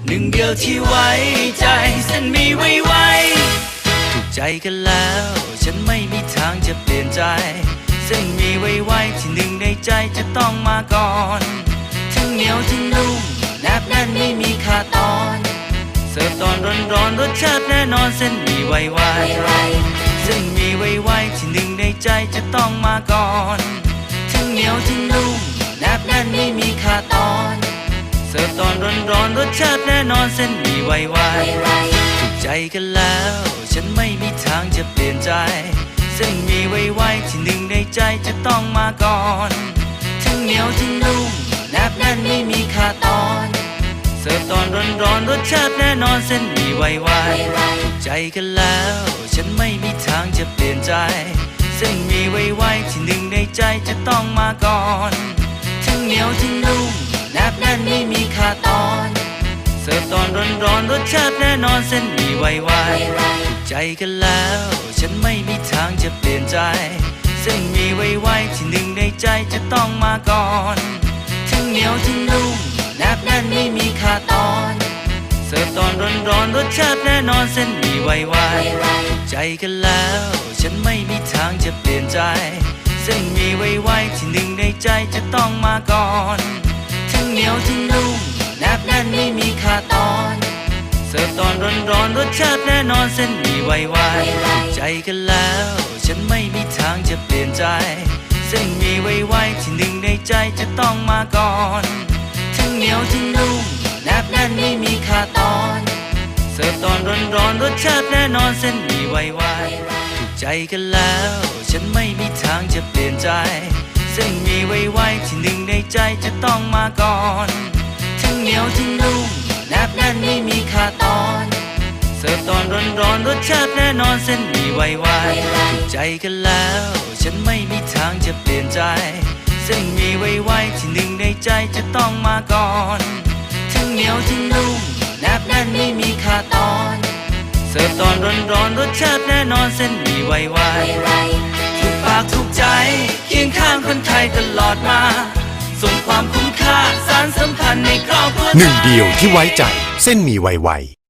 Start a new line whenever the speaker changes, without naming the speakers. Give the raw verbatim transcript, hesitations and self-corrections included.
หนึ่งเดียวที่ไว้ใจเส้นมีไว้ไว้ถูกใจกันแล้วฉันไม่มีทางจะเปลี่ยนใจเส้นมีไว้ไว้ที่หนึ่งในใจจะต้องมาก่อนทั้งเหนียวทั้งนุ่มแนบแน่นไม่มีขาดตอนเสิร์ฟตอนร้อนๆรสชาติแน่นอนเส้นมีไว้ไว้เส้นมีไว้ไว้ที่หนึ่งในใจจะต้องมาก่อนทั้งเหนียวทั้งนุ่มแนบแน่นไม่มีขาดตอนเสิร์ฟตอนร้อนๆรสชาติแน่นอนเส้นมีไว้ไว้ถูกใจกันแล้วฉันไม่มีทางจะเปลี่ยนใจเส้นมีไว้ไว้ที่หนึ่งในใจจะต้องมาก่อนทั้งเหนียวทั้งนุ่มแนบแน่นไม่มีขาดตอนเสิร์ฟตอนร้อนๆรสชาติแน่นอนเส้นมีไว้ไว้ถูกใจกันแล้วฉันไม่มีทางจะเปลี่ยนใจเส้นมีไว้ไว้ที่หนึ่งในใจจะต้องมาก่อนทั้งเหนียวทั้งนุ่มแนบแน่นไม่มีขาดตอนเสิร์ฟตอนร้อนๆรสชาติแน่นอนเส้นมีไว้ไว้ถูกใจกันแล้วฉันไม่มีทางจะเปลี่ยนใจเส้นมีไว้ไว้ที่หนึ่งในใจจะต้องมาก่อนทั้งเหนียวทั้งนุ่มแนบแน่นไม่มีขาดตอนเสิร์ฟตอนร้อนๆรสชาติแน่นอนเส้นมีไว้ไว้ถูกใจกันแล้วฉันไม่มีทางจะเปลี่ยนใจเส้นมีไว้ไว้ที่หนึ่งในใจจะต้องมาก่อนทั้งเหนียวทั้งนุ่มแนบแน่นไม่มีขาดตอนเสิร์ฟตอนร้อนๆรสชาติแน่นอนเส้นมีไว้ไว้ถูกใจกันแล้วฉันไม่มีทางจะเปลี่ยนใจเส้นมีไว้ไว้ที่หนึ่งในใจจะต้องมาก่อนทั้งเหนียวทั้งนุ่มแนบแน่นไม่มีขาดตอนเสิร์ฟตอนร้อนๆรสชาติแน่นอนเส้นมีไว้ไว้ถูกใจกันแล้วฉันไม่มีทางจะเปลี่ยนใจเส้นมีไว้ไว้ที่หนึ่งในใจจะต้องมาก่อนทั้งเหนียวทั้งนุ่มแนบแน่นไม่มีขาดตอนเสิร์ฟตอนร้อนๆรสชาติแน่นอนเส้นมีไว้ไว้ถูกใจกันแล้วฉันไม่มีทางจะเปลี่ยนใจเส้นมีไว้ไว้ที่หนึ่งในใจจะต้องมาก่อนทั้งเหนียวทั้งนุ่มแนบแน่นไม่มีขาดตอนเสิร์ฟตอนร้อนๆรสชาติแน่นอนเส้นมีไว้ไว้ถูกปากถูกใจเคียงข้างคนไทยตลอดมาส่งความคุ้มค่าสารสัมพันธ์ในครอบครัว
หนึ่งเดียวที่ไว้ใจเส้นหมี่ไวๆ